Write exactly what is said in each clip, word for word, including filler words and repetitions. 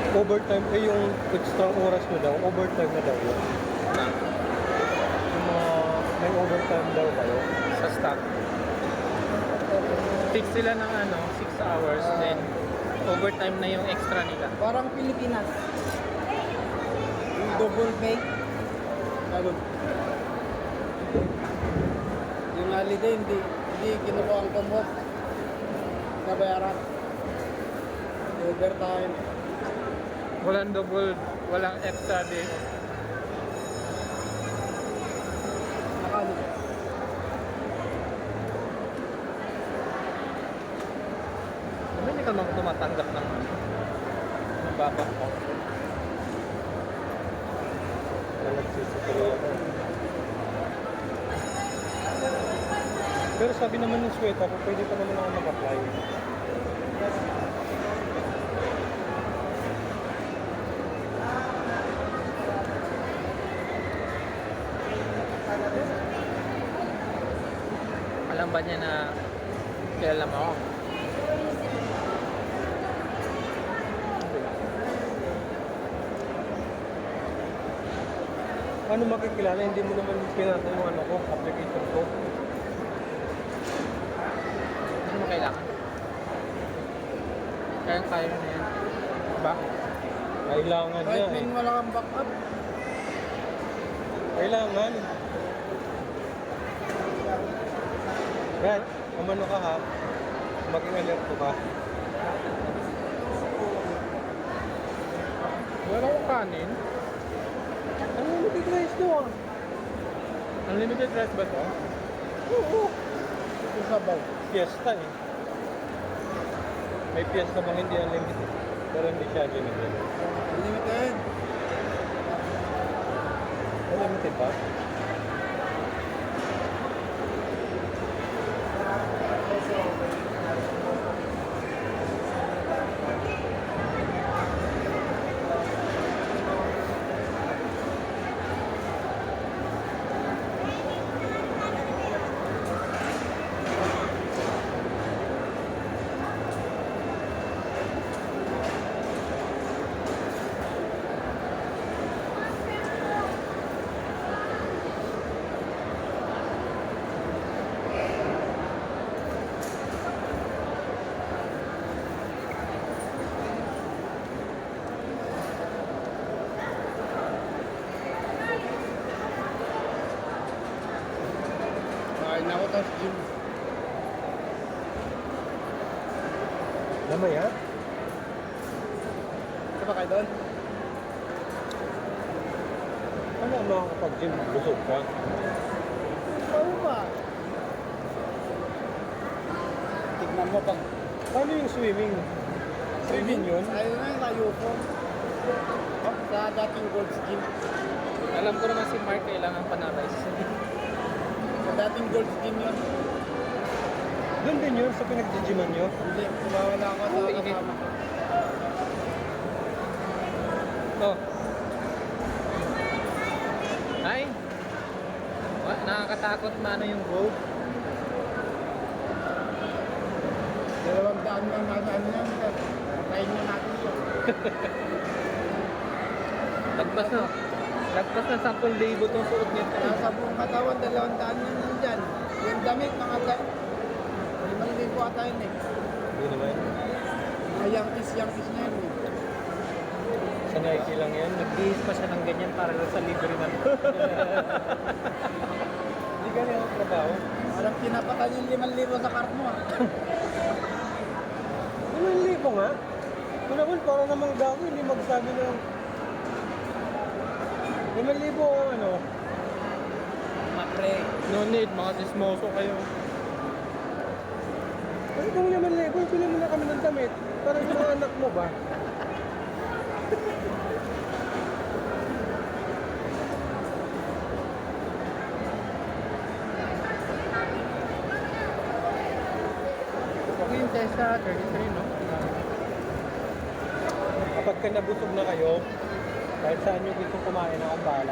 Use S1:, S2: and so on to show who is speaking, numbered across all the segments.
S1: overtime, eh yung extra oras mo daw, overtime na daw yun.
S2: Na,
S1: Yung mga may overtime daw kayo.
S2: sa stock. Fix sila ng ano, six hours, then overtime na yung extra nila.
S3: Parang Pilipinas. Yung double pay. Ganun. Yung holiday, hindi, hindi kinukuha ang kumot. Nabayaran. Overtime.
S2: Walang double, walang extra day.
S3: Nakano.
S2: Ano hindi ka naman tumatanggap ng mababang ko?
S1: Na nagsisipili ako. Pero sabi naman ng Sweta ko, pwede pa naman ako mag-apply.
S2: Alam ba niya na kilala mo ako?
S1: Ano makikilala? Hindi mo naman pinasa yung ano ko, application ko.
S2: Ano mo kailangan? Kaya kaya mo na yan. Ba?
S1: Kailangan niya
S3: Kahit
S1: eh.
S3: may wala kang backup.
S1: Kailangan. Brad, umano ka ha. Maging alert ka.
S2: Wala akong kanin.
S1: Ano mo biglays doon?
S2: Unlimited rice ba to?
S1: Oo.
S3: Ito sabaw.
S1: Fiesta eh. May fiesta bang hindi unlimited? Pero hindi siya unlimited.
S3: Unlimited.
S1: Unlimited ba?
S3: Kain ako tapos gym.
S1: Lamaya?
S3: Ito ba kayo doon?
S1: Ano ang makakapag-gym? Busog ka?
S3: Oo ba? Tignan mo pag
S1: Paano yung swimming? Swimming yun?
S3: Ayun na yung layo ko. Sa dating Gold's Gym.
S2: Alam ko naman si Mark kailangan pa na rice.
S3: Sa dating Gold's Gym yun.
S1: Doon din yun sa pinag-gyman nyo?
S3: Hindi, sumawala ako sa
S2: Oo, init.
S3: kasama ko.
S2: Oh. Ay! Wa- Nakakatakot mano yung rope.
S3: Dalawang daan lang nasa ano yan. Kain na natin ito.
S2: Lagpas na. Lagpas na sampung libo tong suot nito.
S3: Nasa buong katawan, dalawang daan yan nandyan. Yung damit, mga daan. Limang libo ata yun eh.
S1: Hindi naman.
S3: Mga Yankees-Yankees na yun eh.
S1: Sa Nike lang yan.
S2: Nagbihis pa siya ng ganyan para lang sa libre na.
S1: Hindi ka niya trabaho.
S3: Parang pinapatan yung limang libo sa cart mo ah.
S1: Limang libo nga. Ito naman para namang gago, hindi magsabi ng limang libo o ano.
S3: Mapre.
S2: No need, mga sismoso kayo.
S1: Ano kung limang libo, pili mo na kami ng damit. Para sa mga anak mo ba?
S2: Okay yung testa, thirty-three, no?
S1: Kapag ka nabusog na kayo, kahit saan nyo gusto kumain, akong bahala.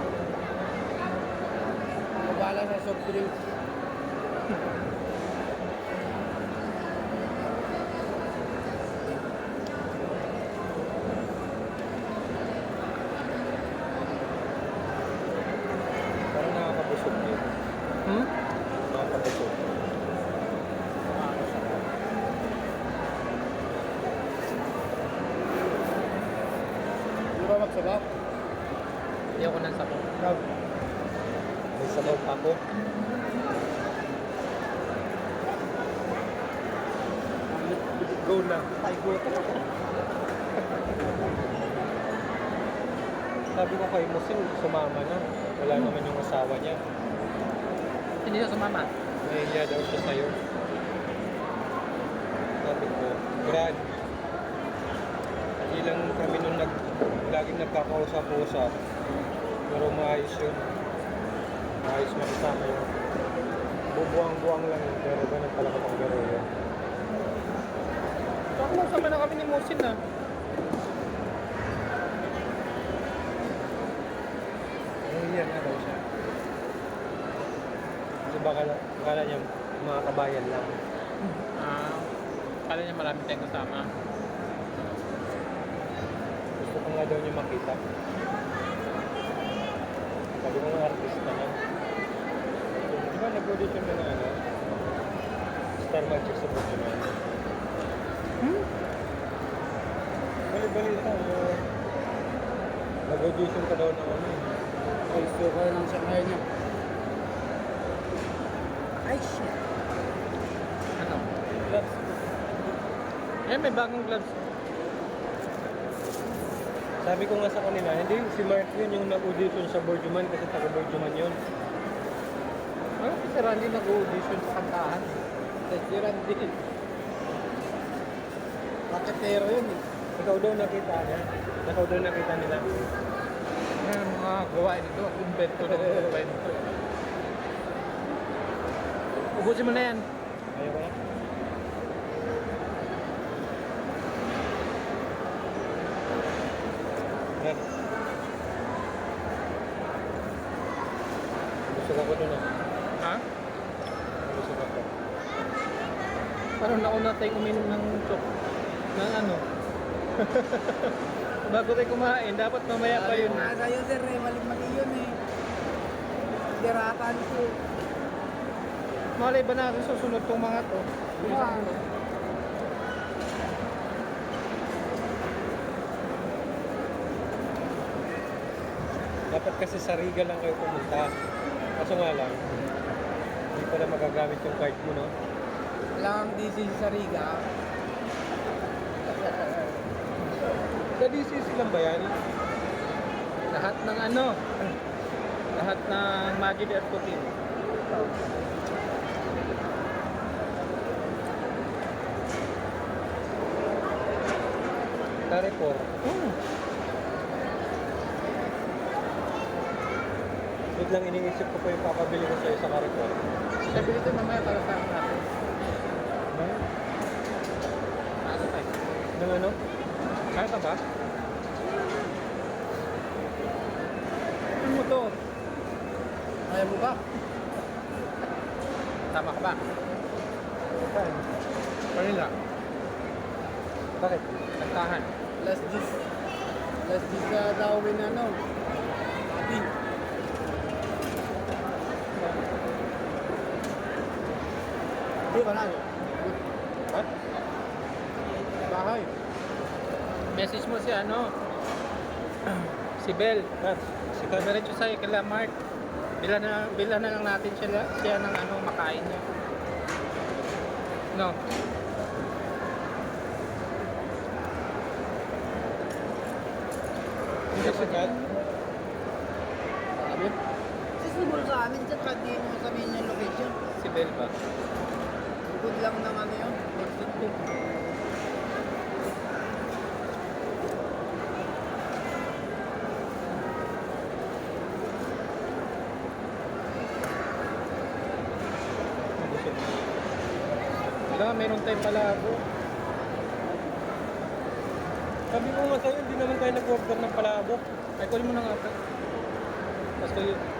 S3: Mabala sa soft drinks. sabaw.
S2: Hindi ako nang sabaw.
S1: Rob. May sabaw pa ako. Go na. Ay, go na. Sabi ko kay Musin, sumama na. Wala naman yung asawa niya.
S2: Hindi na sumama.
S1: Nahiya daw siya sa'yo. Sabi ko, Brad, hindi lang kami nung nag, laging nagkakausap-usap. Pero maayos yun. Maayos makasama yun. Bubuang-buang lang yun, pero ganun pala kapag garo yun.
S2: Saka masama na kami ni Musin ah.
S1: Nahiya nga daw siya. Kasi baka, baka niya mga kabayan lang.
S2: Ah, kala niya marami tayong kasama.
S1: Gusto ko nga daw niya makita. Sabi ko nga artista na. Di ba nag-audition ka na ano? Star Magic sa Pokemon.
S2: Hmm?
S1: Bali-balita mo. Nag-audition ka daw ng ano.
S3: Ay, suka ng sakay niya. Ay, shit.
S2: Ano?
S1: Gloves.
S2: Eh, may bagong gloves.
S1: Sabi ko nga sa kanila, hindi si Mark yun yung nag-audition sa Borjuman kasi taga Borjuman yun.
S2: Ano si Randy nag-audition sa kantahan?
S3: Si Randy. Raketero yun eh.
S1: Ikaw daw nakita niya. Ikaw daw nakita nila.
S2: Ano mga gawain ito? Invento na invento. Ubusin mo na yan.
S1: Ayaw ko na. Brad. Busog ako dun ah.
S2: Ha?
S1: Busog ako.
S2: Parang nauna tayong uminom ng chok. Ng ano? Bago tayo kumain, dapat mamaya pa yun.
S3: Sabi ko nga sa'yo, sir, eh. Mali-mali yun eh. Diratan ko.
S2: Malay ba natin susunod tong mga to?
S3: Wow.
S1: Dapat kasi sa Riga lang kayo pumunta. Kaso nga lang, hindi pala magagamit yung card mo, no?
S3: Wala kang D C sa Riga.
S1: Sa D C C lang ba yan?
S2: Lahat ng ano? Lahat ng Magid at Putin.
S1: Carrefour.
S2: Hmm.
S1: Wait lang, iniisip ko pa yung papabili ko sa'yo sa Carrefour.
S2: Sabi dito mamaya para sa natin.
S1: Ano?
S2: Ano tayo?
S1: Nang ano?
S2: Kaya ka ba? Ano mo to?
S3: Kaya mo ba?
S2: Tama ka ba?
S1: Saan?
S2: Manila.
S1: Bakit?
S2: Kantahan.
S3: Last dis. Last dis sa Darwin ano. Ati. Di ba na?
S1: Ha?
S3: Bahay.
S2: Message mo si ano? Si Bel.
S1: Ha? Si Kat.
S2: Diretso sa'yo kila Mark. Bila na, bila na lang natin siya, siya ng ano, makain niya. No?
S1: Hindi si Kat.
S3: Sabi? Sisibol sa amin dyan, kahit di mo sabihin yung location.
S2: Si Bel ba?
S3: Bukod lang ng ano yun. Exit ko.
S2: Wala, meron tayong palabo.
S1: Sabi ko nga sa'yo, hindi naman tayo nag-order ng palabok.
S2: Ay, kunin mo na nga. Tapos kayo,